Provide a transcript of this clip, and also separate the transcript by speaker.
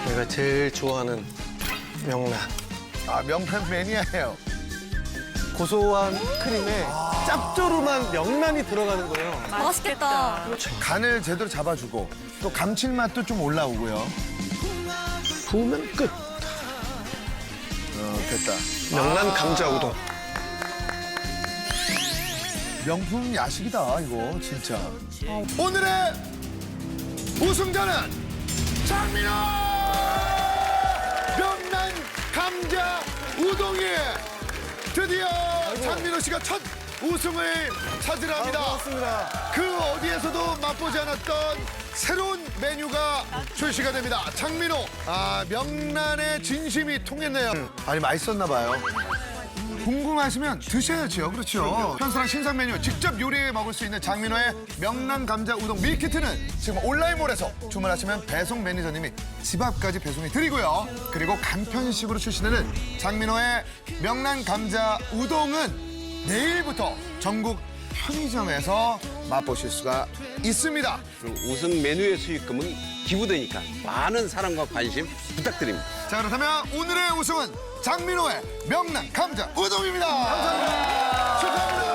Speaker 1: 내가 제일 좋아하는 명란.
Speaker 2: 아, 명란 매니아예요.
Speaker 1: 고소한 크림에 짭조름한 명란이 들어가는 거예요.
Speaker 3: 맛있겠다.
Speaker 2: 간을 제대로 잡아주고 또 감칠맛도 좀 올라오고요.
Speaker 1: 부으면 끝.
Speaker 2: 됐다.
Speaker 1: 명란 감자 우동.
Speaker 2: 명품 야식이다, 이거 진짜. 오늘의 우승자는 장민호! 명란 감자 우동이 드디어 장민호 씨가 첫 우승을 차지합니다.
Speaker 1: 고맙습니다.
Speaker 2: 그 어디에서도 맛보지 않았던 새로운 메뉴가 출시가 됩니다. 장민호, 명란의 진심이 통했네요. 아니, 맛있었나 봐요. 궁금하시면 드셔야죠. 그렇죠. 편선한 신상 메뉴 직접 요리해 먹을 수 있는 장민호의 명란 감자 우동 밀키트는 지금 온라인몰에서 주문하시면 배송 매니저님이 집 앞까지 배송해 드리고요. 그리고 간편식으로 출시되는 장민호의 명란 감자 우동은 내일부터 전국 편의점에서 맛보실 수가 있습니다.
Speaker 4: 우승 메뉴의 수익금은 기부되니까 많은 사랑과 관심 부탁드립니다.
Speaker 2: 자, 그렇다면 오늘의 우승은 장민호의 명란 감자 우동입니다. 감사합니다. 축하합니다.